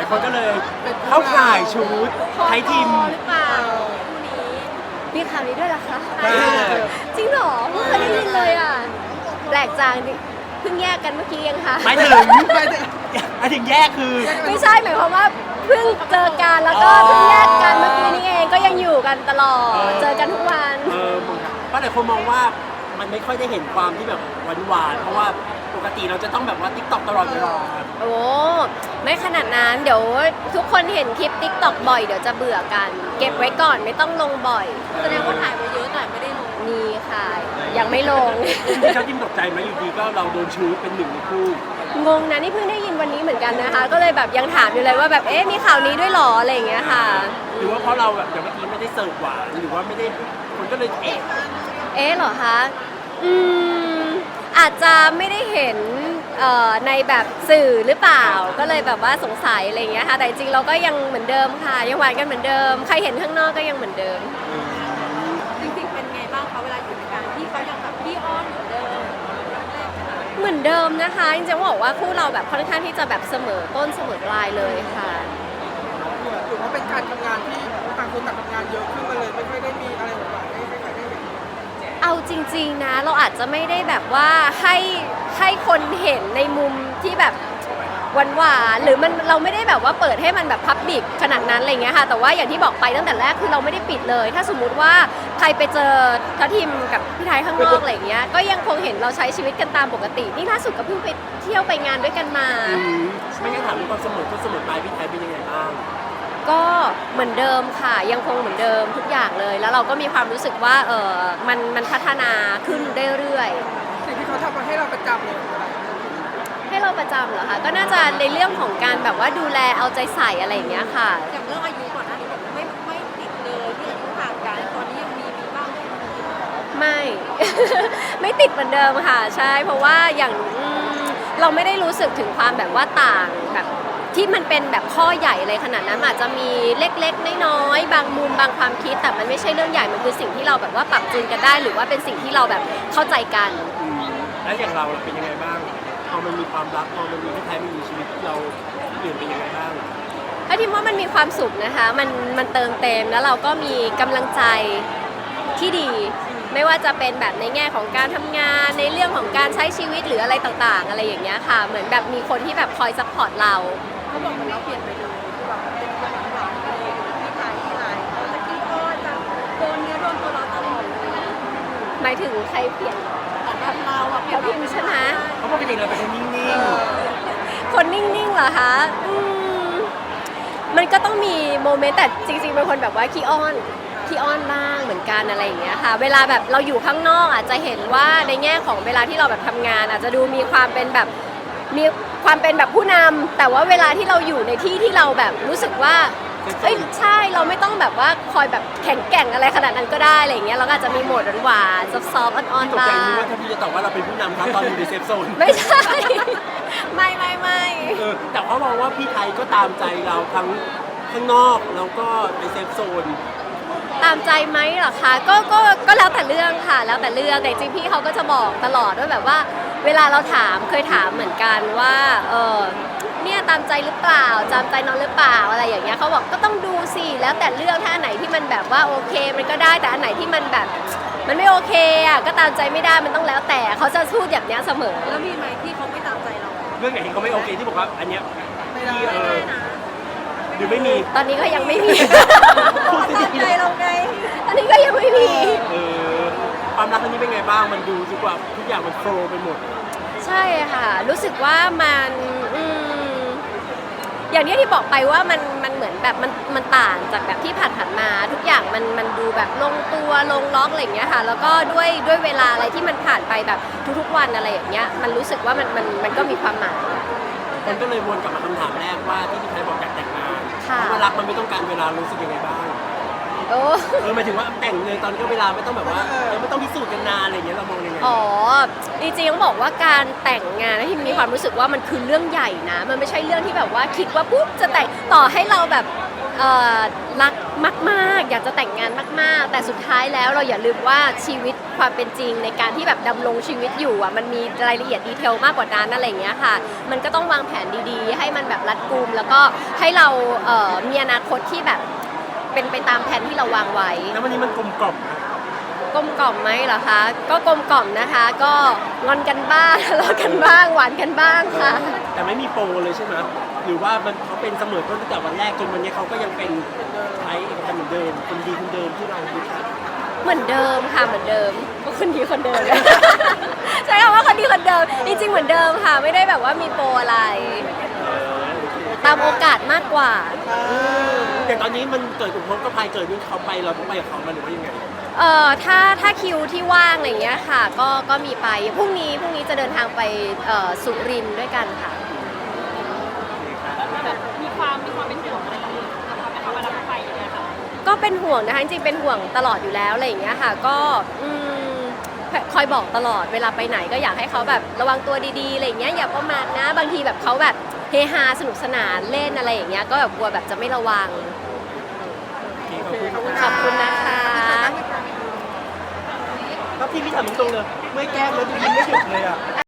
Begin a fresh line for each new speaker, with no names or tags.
คนก็เลยเข้าข่ายชุดไทยทีม
หรือเปล่าคู่นี้มีข่าวนี้ด้วยเหรอคะ
ใช่
จริงเหรอไม่เคยได้ยินเลยอ่ะแปลกจังเพิ่งแยกกันเมื่อกี้เองค่ะ
หมายถึงแยกคือ
ไม่ใช่หมายความว่าเพิ่งเจอกันแล้วก็เพิ่งแยกกันเมื่อกี้นี่เองก็ยังอยู่กันตลอดเจอกันทุกวัน
เพราะหลายคนมองว่ามันไม่ค่อยได้เห็นความที่แบบหวานๆเพราะว่าปกติเราจะต้องแบบว่าติ๊กต็อกตลอดเวลา
โอ้ไม่ขนาดนั้นเดี๋ยวทุกคนเห็นคลิป TikTok บ่อยเดี๋ยวจะเบื่อกัน เก็บไว้ก่อนไม่ต้องลงบ่อยแสดงว่าถ่ายไว้เยอะแต่ไม่ได้ลงนี่ค่ะ ยังไม่ลง
ที่เขาจิ้มตกใจไหมอยู่ดีก็เราโดนชูเป็นหนึ่งในคู่
งงนะนี่เพิ่งได้ยินวันนี้เหมือนกันนะคะ ก็เลยแบบยังถามอยู่เลยว่าแบบเอ๊ะมีข่าวนี้ด้วยหรออะไรอย่างเงี้ยค่ะ
หรือว่าเพราะเราแบบอย่างเมื่อกี้ไม่ได้เสิร์ฟหวานหรือว่าไม่ได้คนก็เลย
เอ๊ะเหรอคะอาจจะไม่ได้เห็นในแบบสื่อหรือเปล่าก็เลยแบบว่าสงสัยอะไรอย่างเงี้ยค่ะแต่จริงๆเราก็ยังเหมือนเดิมค่ะยังหวานกันเหมือนเดิมใครเห็นข้างนอกก็ยังเหมือนเดิม
จริงๆเป็นไงบ้างคะเวลาอยู่ในการที่เขายังแบบพี่อ้อนเหมือนเดิม
เหมือนเดิมนะคะจริงๆบอกว่าคู่เราแบบค่อนข้างที่จะแบบเสมอต้นเสมอปลายเลยค่ะ
หรือว่าเป็นการทำงานที่ต่างคนต่างทำงานเยอะขึ้นมาเลยไม่ค่อยได้มีอะไรหวานๆไม่ค่อยได้เห็น
เอาจริงๆนะเราอาจจะไม่ได้แบบว่าให้คนเห็นในมุมที่แบบหวานๆหรือเราไม่ได้แบบว่าเปิดให้มันแบบพับบิกขนาดนั้นอะไรเงี้ยค่ะแต่ว่าอย่างที่บอกไปตั้งแต่แรกคือเราไม่ได้ปิดเลย ถ้าสมมุติว่าใครไปเจอทัพทิมกับพี่ไทยข้างนอกอะไรเงี้ยก็ยังคงเห็นเราใช้ชีวิตกันตามปกตินี่ล่าสุดก็เพิ่งไปเที่ยวไปงานด้วยกันมา
ไม่งั้นถามว่าความเสมอต้นเสมอปลายพี่ไทยเป็นยังไงบ้าง
ก็เหมือนเดิมค่ะยังคงเหมือนเดิมทุกอย่างเลย แล้วเราก็มีความรู้สึกว่ามันพัฒนาขึ้นเรื่อยๆ
สิ่งที่เขาทำมาให้เราประจำเลยคืออะไร
ให้เราประจำเหรอคะก็น่าจะในเรื่องของการแบบว่าดูแลเอาใจใส่อะไรอย่างเงี้ยค่ะ
อย่างเรื่องอายุก่อนหน้านี้บอกไม่ติดเลยที่อายุห่างกันตอนนี้ยังมีบ้างไหม
ไม่ ไม่ติดเหมือนเดิมค่ะใช่เพราะว่าอย่างเราไม่ได้รู้สึกถึงความแบบว่าต่างแบบที่มันเป็นแบบข้อใหญ่อะไรขนาดนั้นอาจจะมีเล็กๆน้อยๆบางมุมบางความคิดแต่มันไม่ใช่เรื่องใหญ่มันคือสิ่งที่เราแบบว่าปรับจูนกันได้ หรือว่าเป็นสิ่งที่เราแบบเข้าใจกัน
แล้วอย่างเราเป็นยังไงบ้างพอมันมีความรักพอมันมีพี่ไทยมันมีชีวิตเราเปลี่ยนเป็นยังไงบ้าง
ถ้าทิมว่ามันมีความสุขนะคะมันเติมเต็มแล้วเราก็มีกำลังใจที่ดี ไม่ว่าจะเป็นแบบในแง่ของการทำงานในเรื่องของการใช้ชีวิตหรืออะไรต่างๆ อะไรอย่างเงี้ยค่ะเหมือนแบบมีคนที่แบบคอยซัพพอร์ตเรา
เขาบอกเหมือนเราเปลี่ยนไปเลยแบบเป็นคนหวานๆเลยพี่ไทยพี่ไทยเขาจะขี้อ้อนจะโดนเนื้อโดนตัวเราตลอดเลย
หมายถึงใครเปลี่ยน
แบบเราอะเปลี่ย
เขา
น
พิมพ์ใช่ไหม
เพราะปกติเราเป็นคนนิ่ง
คนนิ่งๆเหรอคะมันก็ต้องมีโมเมนต์แต่จริงๆเป็นคนแบบว่าขี้อ้อนบ้างเหมือนกันอะไรอย่างเงี้ยค่ะเวลาแบบเราอยู่ข้างนอกอาจจะเห็นว่าในแง่ของเวลาที่เราแบบทำงานอาจจะดูมีความเป็นแบบมีความเป็นแบบผู้นำแต่ว่าเวลาที่เราอยู่ในที่ที่เราแบบรู้สึกว่าเอ้ยใช่เราไม่ต้องแบบว่าคอยแบบแข็งแกร่งอะไรขนาดนั้นก็ได้อะไรอย่างเงี้ยเราก็อาจจะมีโหมดหวานๆซอฟต์ๆอ่อน
ๆต
ๆ
กใจ
บ้าง
นึกว่าถ้าพี่จะตอบว่าเราเป็นผู้นำครับตอนอยู่ในเซฟโซน
ไม่ใช่ ไม่
แต่เขามองว่าพี่ไทยก็ตามใจเราทั้งข้างนอกแล้วก็ในเซฟโซน
ตามใจไหมเหรอคะก็แล้วแต่เรื่องค่ะแล้วแต่เรื่องแต่จริงพี่เขาก็จะบอกตลอดว่าแบบว่าเวลาเราถามเคยถามเหมือนกันว่าเนี่ยตามใจหรือเปล่าตามใจน้องหรือเปล่าอะไรอย่างเงี้ยเขาบอกก็ต้องดูสิแล้วแต่เรื่องถ้าอันไหนที่มันแบบว่าโอเคมันก็ได้แต่อันไหนที่มันแบบมันไม่โอเคอ่ะก็ตามใจไม่ได้มันต้องแล้วแต่เขาจะพูดแบบเนี้ยเสมอ
แล้วมีไหมที่เขาไม่ตามใจเรา
เรื่องไหนที่เขาไม่โอเคที่บอกว่าอันเนี้ย
ไม่ได้
พี่หรือไม่มี
ตอนนี้ก็ยังไม่มี
ตามใจเราไง
ตอนนี้ก็ยังไม่มี
ความรักครั้งนี้เป็นไงบ้างมันดูดีกว่าทุกอย่างมันโฟลว์ไปหมด
ใช่ค่ะรู้สึกว่ามันอย่างนี้ที่บอกไปว่ามันเหมือนแบบมันต่างจากแบบที่ผ่านมาทุกอย่างมันดูแบบลงตัวลงล็อกอะไรอย่างเงี้ยค่ะแล้วก็ด้วยเวลาอะไรที่มันผ่านไปแบบทุกๆวันอะไรอย่างเงี้ยมันรู้สึกว่ามันก็มีความหมาย
คนก็เลยวนกลับมาคำถามแรกว่าที่พี่ไทยบอกอยากแต่งงานเพ
ค่ะ
ราะว่ารักมันไม่ต้องการเวลารู้สึกยังไงบ้าง
โอ้
หมายถึงว่าแต่งเลยตอนนี้ก็เวลาไม่ต้องแบบว่าไม่ต้องพิสูจน์กันนานอะไรอย่างเงี้ยเรามองยังไง
อ๋อจริงๆต้องบอกว่าการแต่งงานนะที่มีความรู้สึกว่ามันคือเรื่องใหญ่นะมันไม่ใช่เรื่องที่แบบว่าคิดว่าปุ๊บจะแต่งต่อให้เราแบบรักมากๆอยากจะแต่งงานมากๆแต่สุดท้ายแล้วเราอย่าลืมว่าชีวิตความเป็นจริงในการที่แบบดำรงชีวิตอยู่อ่ะมันมีรายละเอียดดีเทลมากกว่านั้นอะไรอย่างเงี้ยค่ะมันก็ต้องวางแผนดีๆให้มันแบบรัดกุมแล้วก็ให้เรามีอนาคตที่แบบเป็นไปตามแผนที่เราวางไว้
แล้ววันนี้มันกลมกล่อมนะ
กลมกล่อมไหมเหรอคะก็กลมกล่อมนะคะ ก็งอนกันบ้างทะเลาะกันบ้างหวานกันบ้างค่ะ
แต่ไม่มีโปรเลยใช่ไหมหรือว่ามันเขาเป็นเสมอต้นตั้งแต่วันแรกจนวันนี้เขาก็ยังเป็นไทยเอกพันธ์เหมือนเดิมคนดีคนเดิมที่เราดูค่ะ
เหมือนเดิมค่ะเหมือนเดิมก็คนดีคนเดิม ใช่คำว่าคนดีคนเดิมจริงๆเหมือนเดิมค่ะไม่ได้แบบว่ามีโปรอะไร ตามโอกาสมากกว่า
แต่ตอนนี้มันเกิดอุปสรรคก็พายเกิดนี่เขาไปเราต้องไปกับเขามาหรือว่ายังไง
ถ้าคิวที่ว่างอะไรอย่างเงี้ยค่ะก็มีไปพรุ่งนี้จะเดินทางไปสุรินทร์ด้วยกันค่ะ
แบบมีความเป็นห่วงอะไรกับเขาไหมคะเวลาเขาไปอย่างเงี้ยค่ะ
ก็เป็นห่วงนะคะจริงๆเป็นห่วงตลอดอยู่แล้วอะไรอย่างเงี้ยค่ะก็คอยบอกตลอดเวลาไปไหนก็อยากให้เขาแบบระวังตัวดีๆอะไรอย่างเงี้ยอย่าประมาทนะบางทีแบบเขาแบบเฮฮาสนุกสนานเล่นอะไรอย่างเงี้ยก็แบบกลัวแบบจะไม่ระวัง ขอบคุณนะคะ
แล้วพี่ถามตรงๆเลยเมื่อแก้มแล้วดูยิ้มไม่หยุดเลยอ่ะ